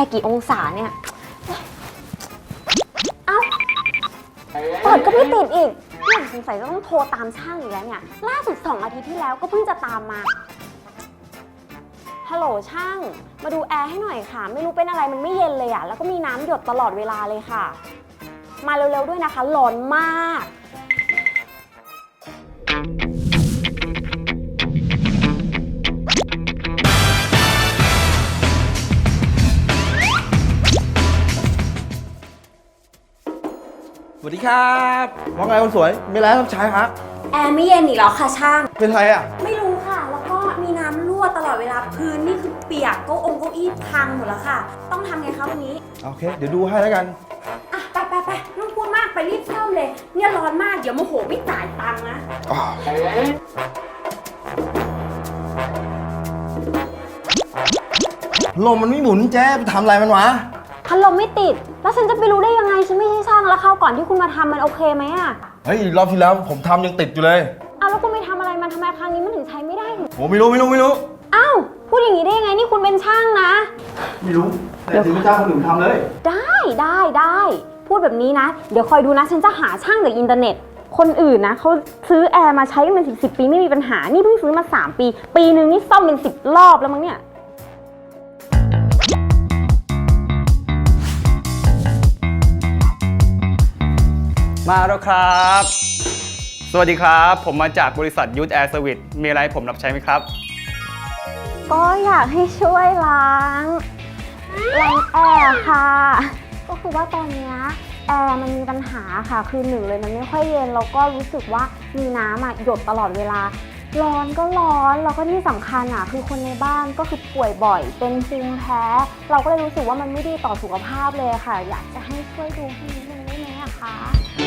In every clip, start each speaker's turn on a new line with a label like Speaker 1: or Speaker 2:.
Speaker 1: ร์กี่องศาเนี่ยเอ้าเปิดก็ไม่ติดอีกเนี่ยสงสัยจะต้องโทรตามช่างอีกแล้วเนี่ยล่าสุด2 อาทิตย์ที่แล้วก็เพิ่งจะตามมาฮัลโหลช่างมาดูแอร์ให้หน่อยค่ะไม่รู้เป็นอะไรมันไม่เย็นเลยอะแล้วก็มีน้ำหยดตลอดเวลาเลยค่ะมาเร็วๆด้วยนะคะร้อนมาก
Speaker 2: สวัสดีครับว่าไงคนสวยมีอะไรรับใช้ฮะ
Speaker 1: แอร์ไม่เย็นอีกแล้วค่ะช่าง
Speaker 2: เป็นไรอ่ะ
Speaker 1: ไม่รู้ค่ะแล้วก็มีน้ำรั่วตลอดเวลาพื้นนี่คือเปียกเก้าอี้พังหมดแล้วค่ะต้องทำไงคะวันนี้
Speaker 2: โอเคเดี๋ยวดูให้แล้วกัน
Speaker 1: อ่ะไปไม่ต้องพูดมากไปรีบซ่อมเลยเนี่ยร้อนมากเดี๋ยวโมโหไม่จ่ายตังค์นะ
Speaker 2: ลมมันไม่หมุนแจ๊ไปทำอะไรมันวะ
Speaker 1: พัดลมไม่ติดแล้วฉันจะไปรู้ได้ยังไงฉันไม่ใช่ช่างแล้วคราวก่อนที่คุณมาทำมันโอเคไหมอะ
Speaker 2: เฮ้ยรอบที่แล้วผมทำยังติดอยู่เลย
Speaker 1: อ้าวแล้วคุณไปทำอะไรมันทำไมครั้งนี้มันถึงใช้ไม่ได้
Speaker 2: โหไม่รู้
Speaker 1: อ้าวพูดอย่างนี้ได้ยังไงนี่คุณเป็นช่างนะ
Speaker 2: ไม่รู้แต่ถึงเจ้าคนอื่นทำเลย
Speaker 1: ได้พูดแบบนี้นะเดี๋ยวคอยดูนะฉันจะหาช่างจากอินเทอร์เน็ตคนอื่นนะเขาซื้อแอร์มาใช้กันเป็น10 ปีไม่มีปัญหานี่เพิ่งซื้อมา3 ปีนึงนี่ซ่อมเป็น10 รอบแล้วมั้งเนี่ย
Speaker 3: มาแล้วครับสวัสดีครับผมมาจากบริษัทยูทแอร์เซอร์วิสมีอะไรผมรับใช้ไหมครับ
Speaker 1: ก็อยากให้ช่วยล้างแอร์ค่ะก็คือว่าตอนนี้แอร์มันมีปัญหาค่ะคือ1เลยมันไม่ค่อยเย็นแล้วก็รู้สึกว่ามีน้ำหยดตลอดเวลาร้อนก็ร้อนแล้วก็ที่สำคัญคือคนในบ้านก็คือป่วยบ่อยเป็นภูมิแพ้เราก็เลยรู้สึกว่ามันไม่ดีต่อสุขภาพเลยค่ะอยากจะให้ช่วยดูให้นิดนึงได้ไหมคะ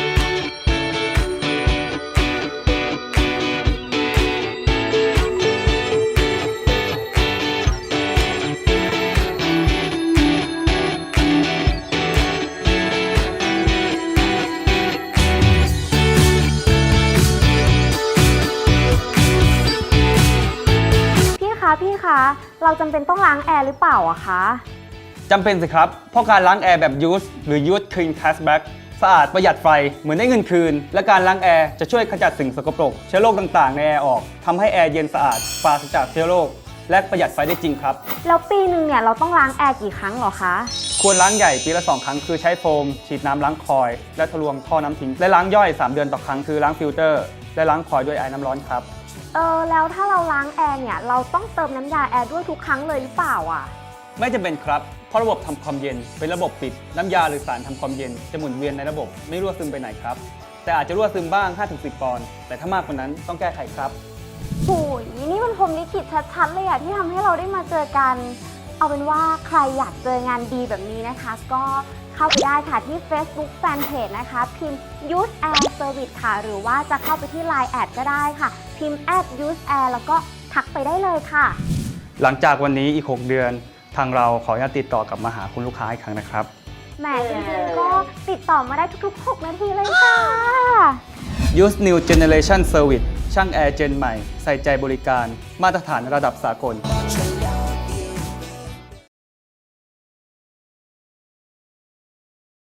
Speaker 1: พี่คะเราจำเป็นต้องล้างแอร์หรือเปล่าอะคะ
Speaker 3: จำเป็นสิครับเพราะการล้างแอร์แบบยูสหรือยูสคลีนแคสแบ็กสะอาดประหยัดไฟเหมือนได้เงินคืนและการล้างแอร์จะช่วยขจัดสิ่งสกปรกเชื้อโรคต่างๆในแอร์ออกทำให้แอร์เย็นสะอาดปราศจากเชื้อโรคและประหยัดไฟได้จริงครับ
Speaker 1: แล้วปีนึงเนี่ยเราต้องล้างแอร์กี่ครั้งหรอคะ
Speaker 3: ควรล้างใหญ่ปีละ2 ครั้งคือใช้โฟมฉีดน้ำล้างคอยและทะลวงท่อน้ำทิ้งและล้างย่อย3 เดือนต่อครั้งคือล้างฟิลเตอร์และล้างคอยด้วยไอ้น้ำร้อนครับ
Speaker 1: แล้วถ้าเราล้างแอร์เนี่ยเราต้องเติมน้ำยาแอร์ด้วยทุกครั้งเลยหรือเปล่าอ่ะ
Speaker 3: ไม่จำเป็นครับเพราะระบบทำความเย็นเป็นระบบปิดน้ำยาหรือสารทำความเย็นจะหมุนเวียนในระบบไม่รั่วซึมไปไหนครับแต่อาจจะรั่วซึมบ้าง 5-10 ปอนด์แต่ถ้ามากกว่านั้นต้องแก้ไขครับ
Speaker 1: โอ้ยนี่มันพรหมลิขิตชัดๆเลยอะที่ทำให้เราได้มาเจอกันเอาเป็นว่าใครอยากเจองานดีแบบนี้นะคะก็เข้าไปได้ค่ะที่ Facebook Fanpage นะคะพิมพ์ Use Air Service ค่ะหรือว่าจะเข้าไปที่ Line แอดก็ได้ค่ะพิมพ์ @Use Air แล้วก็ทักไปได้เลยค่ะ
Speaker 3: หลังจากวันนี้อีก6 เดือนทางเราขออนุญาตติดต่อกลับมาหาคุณลูกค้าอีกครั้งนะครับ
Speaker 1: แหมจริงๆก็ติดต่อมาได้ทุกๆ6 นาทีเลยค่ะ
Speaker 3: Use New Generation Service ช่างแอร์เจนใหม่ใส่ใจบริการมาตรฐานระดับสากล